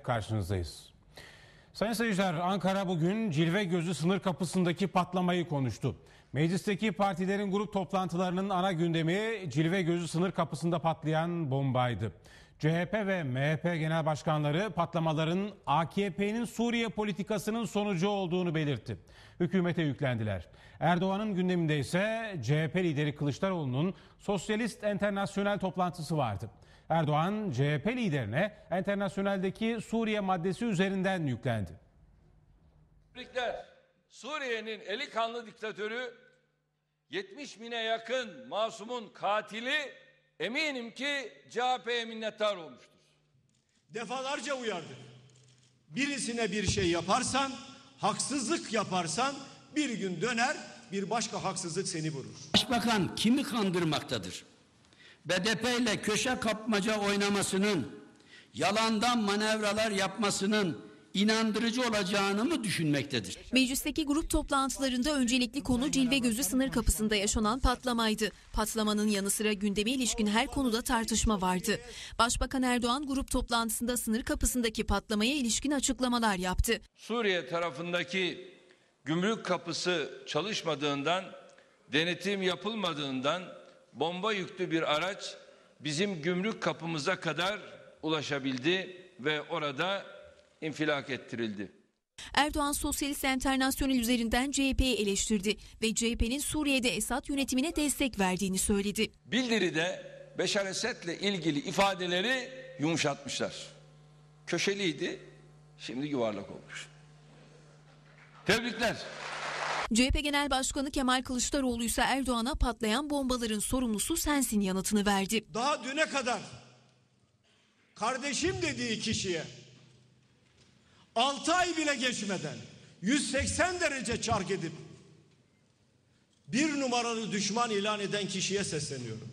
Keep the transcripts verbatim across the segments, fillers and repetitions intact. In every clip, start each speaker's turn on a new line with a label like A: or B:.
A: karşınızdayız. Sayın seyirciler, Ankara bugün Cilve Gözü sınır kapısındaki patlamayı konuştu. Meclisteki partilerin grup toplantılarının ana gündemi Cilve Gözü sınır kapısında patlayan bombaydı. C H P ve M H P genel başkanları patlamaların A K P'nin Suriye politikasının sonucu olduğunu belirtti. Hükümete yüklendiler. Erdoğan'ın gündeminde ise C H P lideri Kılıçdaroğlu'nun Sosyalist Enternasyonel toplantısı vardı. Erdoğan C H P liderine Enternasyonel'deki Suriye maddesi üzerinden yüklendi.
B: Suriye'nin eli kanlı diktatörü, yetmiş bine yakın masumun katili, eminim ki C H P'ye minnettar olmuştur.
C: Defalarca uyardık. Birisine bir şey yaparsan, haksızlık yaparsan bir gün döner, bir başka haksızlık seni vurur.
D: Başbakan kimi kandırmaktadır? B D P ile köşe kapmaca oynamasının, yalandan manevralar yapmasının inandırıcı olacağını mı düşünmektedir?
E: Meclisteki grup toplantılarında öncelikli konu Cilve Gözü sınır kapısında yaşanan patlamaydı. Patlamanın yanı sıra gündeme ilişkin her konuda tartışma vardı. Başbakan Erdoğan grup toplantısında sınır kapısındaki patlamaya ilişkin açıklamalar yaptı.
B: Suriye tarafındaki gümrük kapısı çalışmadığından, denetim yapılmadığından bomba yüklü bir araç bizim gümrük kapımıza kadar ulaşabildi ve orada infilak ettirildi.
E: Erdoğan Sosyalist Enternasyonel üzerinden C H P'yi eleştirdi ve C H P'nin Suriye'de Esad yönetimine destek verdiğini söyledi.
B: Bildiride Beşar Esed'le ilgili ifadeleri yumuşatmışlar. Köşeliydi, şimdi yuvarlak olmuş. Tebrikler.
E: C H P Genel Başkanı Kemal Kılıçdaroğlu ise Erdoğan'a patlayan bombaların sorumlusu sensin yanıtını verdi.
C: Daha düne kadar kardeşim dediği kişiye altı ay bile geçmeden yüz seksen derece çark edip bir numaralı düşman ilan eden kişiye sesleniyorum.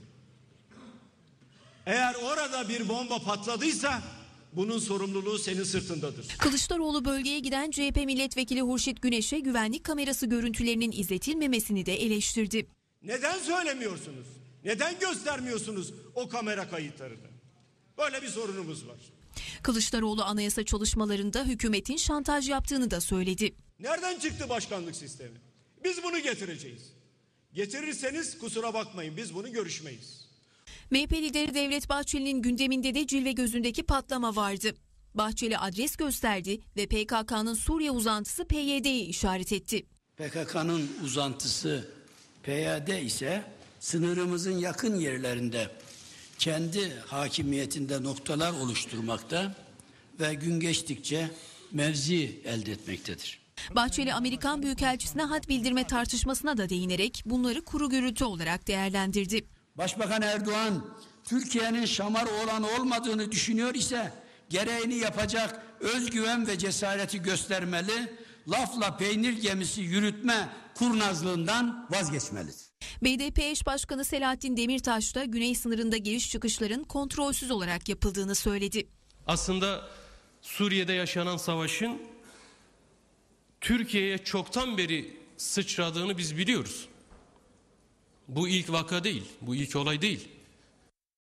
C: Eğer orada bir bomba patladıysa bunun sorumluluğu senin sırtındadır.
E: Kılıçdaroğlu bölgeye giden C H P milletvekili Hurşit Güneş'e güvenlik kamerası görüntülerinin izletilmemesini de eleştirdi.
C: Neden söylemiyorsunuz? Neden göstermiyorsunuz o kamera kayıtlarını? Böyle bir sorunumuz var.
E: Kılıçdaroğlu anayasa çalışmalarında hükümetin şantaj yaptığını da söyledi.
C: Nereden çıktı başkanlık sistemi? Biz bunu getireceğiz. Getirirseniz kusura bakmayın, biz bunu görüşmeyiz.
E: M H P lideri Devlet Bahçeli'nin gündeminde de Cilve Gözü'ndeki patlama vardı. Bahçeli adres gösterdi ve P K K'nın Suriye uzantısı P Y D'yi işaret etti.
D: P K K'nın uzantısı P Y D ise sınırımızın yakın yerlerinde kendi hakimiyetinde noktalar oluşturmakta ve gün geçtikçe mevzi elde etmektedir.
E: Bahçeli Amerikan Büyükelçisi'ne had bildirme tartışmasına da değinerek bunları kuru gürültü olarak değerlendirdi.
D: Başbakan Erdoğan Türkiye'nin şamar oğlan olmadığını düşünüyor ise gereğini yapacak özgüven ve cesareti göstermeli, lafla peynir gemisi yürütme kurnazlığından vazgeçmelidir.
E: B D P eş başkanı Selahattin Demirtaş da güney sınırında giriş çıkışların kontrolsüz olarak yapıldığını söyledi.
F: Aslında Suriye'de yaşanan savaşın Türkiye'ye çoktan beri sıçradığını biz biliyoruz. Bu ilk vaka değil, bu ilk olay değil.